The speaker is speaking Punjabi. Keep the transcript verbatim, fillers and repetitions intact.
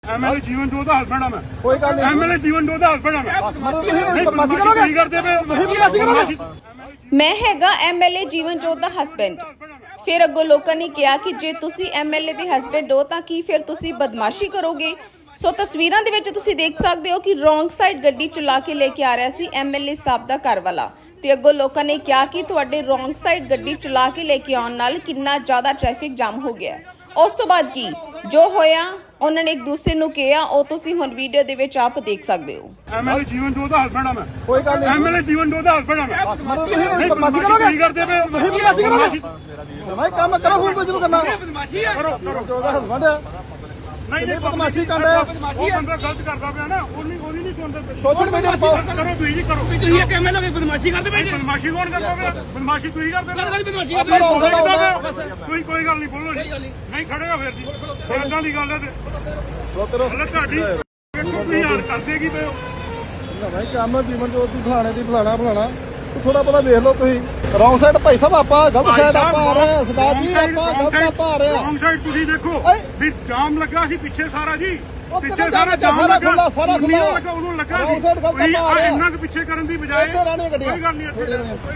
ਐਮਐਲਏ ਜੀਵਨ ਜੋਤ ਦਾ ਹਸਬੈਂਡ ਆ ਮੈਂ। ਕੋਈ ਗੱਲ ਨਹੀਂ। ਐਮਐਲਏ ਜੀਵਨ ਜੋਤ ਦਾ ਹਸਬੈਂਡ ਆ ਮੈਂ। ਤੁਸੀਂ ਬਦਮਾਸ਼ੀ ਕਰੋਗੇ? ਕੀ ਕਰਦੇ ਪਏ ਹੋ? ਤੁਸੀਂ ਬਦਮਾਸ਼ੀ ਕਰੋਗੇ? ਮੈਂ ਹੈਗਾ ਐਮਐਲਏ ਜੀਵਨ ਜੋਤ ਦਾ ਹਸਬੈਂਡ। ਫਿਰ ਅੱਗੋਂ ਲੋਕਾਂ ਨੇ ਕਿਹਾ ਕਿ ਜੇ ਤੁਸੀਂ ਐਮਐਲਏ ਦੇ ਹਸਬੈਂਡ ਹੋ ਤਾਂ ਕੀ ਫਿਰ ਤੁਸੀਂ ਬਦਮਾਸ਼ੀ ਕਰੋਗੇ। ਸੋ ਤਸਵੀਰਾਂ ਦੇ ਵਿੱਚ ਤੁਸੀਂ ਦੇਖ ਸਕਦੇ ਹੋ ਕਿ ਰੋਂਗ ਸਾਈਡ ਗੱਡੀ ਚਲਾ ਕੇ ਲੈ ਕੇ ਆ ਰਿਹਾ ਸੀ ਐਮਐਲਏ ਸਾਹਿਬ ਦਾ ਘਰ ਵਾਲਾ, ਤੇ ਅੱਗੋਂ ਲੋਕਾਂ ਨੇ ਕਿਹਾ ਕਿ ਤੁਹਾਡੇ ਰੋਂਗ ਸਾਈਡ ਗੱਡੀ ਚਲਾ ਕੇ ਲੈ ਕੇ ਆਉਣ ਨਾਲ ਕਿੰਨਾ ਜ਼ਿਆਦਾ ਟ੍ਰੈਫਿਕ ਜਾਮ ਹੋ ਗਿਆ। ਉਸ ਤੋਂ ਬਾਅਦ ਕੀ ਜੋ ਹੋਇਆ ਉਹਨਾਂ ਨੇ ਇੱਕ ਦੂਸਰੇ ਨੂੰ ਕਿਹਾ, ਉਹ ਤੁਸੀਂ ਹੁਣ ਵੀਡੀਓ ਦੇ ਵਿੱਚ ਆਪ ਦੇਖ ਸਕਦੇ ਹੋ। ਐਮਐਲਏ ਜੀਵਨ ਜੋਤ ਦਾ ਹਸਬੈਂਡ ਆ ਮੈਂ। ਕੋਈ ਗੱਲ ਨਹੀਂ। ਐਮਐਲਏ ਜੀਵਨ ਜੋਤ ਦਾ ਹਸਬੈਂਡ ਆ ਮੈਂ। ਤੁਸੀਂ ਬਦਮਾਸ਼ੀ ਕਰੋਗੇ? ਕੀ ਕਰਦੇ ਪਏ ਹੋ? ਤੁਸੀਂ ਬਦਮਾਸ਼ੀ ਕਰੋਗੇ? ਭਾਈ ਕੰਮ ਕਰੋ, ਫੋਨ ਕੋਈ ਜਿਹਨੂੰ ਕਰਨਾ। ਕਰੋ ਕਰੋ। ਉਹਦਾ ਹਸਬੰਡ ਆ। ਨਹੀਂ ਨਹੀਂ ਬਦਮਾਸ਼ੀ ਕਰ ਰਿਹਾ। ਉਹ ਬੰਦਾ ਗਲਤ ਕਰਦਾ ਪਿਆ ਨਾ, ਉਹ ਨਹੀਂ ਉਹ ਨਹੀਂ ਸੁਣਦਾ। ਸੋਸ਼ਲ ਮੀਡੀਆ ਪਾਓ। ਕਰੋ ਤੁਸੀਂ ਜੀ ਕਰੋ। ਤੁਸੀਂ ਇਹ ਕਿਵੇਂ ਲੋਗੇ ਬਦਮਾਸ਼ੀ ਕਰਦੇ ਪਏ ਜੀ? ਬਦਮਾਸ਼ੀ ਕੌਣ ਕਰਦਾ ਪਿਆ? ਬਦਮਾਸ਼ੀ ਤੁਸੀਂ ਕਰਦੇ ਗੱਲ ਗੱਲ ਬਦਮਾਸ਼ੀ ਆਪਾਂ ਕਰਦੇ ਰੌਂਗ ਸਾਈਡ ਆਉਂਦਾ। ਕੋਈ ਕੋਈ ਗੱਲ ਨਹੀਂ, ਬੋਲੋ ਜੀ। ਨਹੀਂ ਖੜੇਗਾ ਫਿਰ ਜੀ, ਇਦਾਂ ਦੀ ਗੱਲ ਹੈ ਤੇ ਰੋਤਰੋ ਹਲੇ ਤੁਹਾਡੀ ਵੇਖੋ ਤੁਸੀਂ ਹਾਲ ਕਰਦੇ ਕੀ ਪਏ ਹੋ। ਭਾਈ ਕੰਮ ਜੀਵਨ ਜੋਤ ਦੀ ਫਲਾਣੇ ਦੀ ਫਲਾਣਾ ਫਲਾਣਾ ਥੋੜਾ ਬਹੁਤਾ ਵੇਖ ਲਓ ਤੁਸੀਂ। ਰੌਂਗ ਸਾਈਡ ਭਾਈ ਸਾਹਿਬ ਆਪਾਂ ਗਲਤ ਸਾਈਡ ਆਪਾਂ ਆ ਰਹੇ ਹਾਂ। ਸਰਦਾਰ ਜੀ ਆਪਾਂ ਗਲਤ ਆਪਾਂ ਆ ਰਹੇ ਹਾਂ। ਰੌਂਗ ਸਾਈਡ ਤੁਸੀਂ ਦੇਖੋ ਓਏ। ਵੀ ਜਾਮ ਲੱਗਾ ਸੀ ਪਿੱਛੇ ਸਾਰਾ ਜੀ। ਉਹ ਪਿੱਛੇ ਕਿੱਥੇ ਸਾਰਾ ਜਾਮ ਜਾਮ ਲੱਗਾ? ਲੱਗਾ, ਸਾਰਾ ਖੁੱਲਾ, ਸਾਰਾ ਉਹਨੂੰ ਖੁੱਲਾ। ਲੱਗਾ, ਉਹਨੂੰ ਲੱਗਾ ਰੌਂਗ ਸਾਈਡ ਗਲਤ ਤੁਸੀਂ ਆਪਾਂ ਆ ਰਹੇ ਹਾਂ। ਇੰਨਾ ਕੁ ਪਿੱਛੇ ਕਰਨ ਦੀ ਬਜਾਏ ਇੱਥੇ ਰਹਿਣੀਆਂ ਗੱਡੀਆਂ। ਕੋਈ ਗੱਲ ਨਹੀਂ ਇੱਥੇ।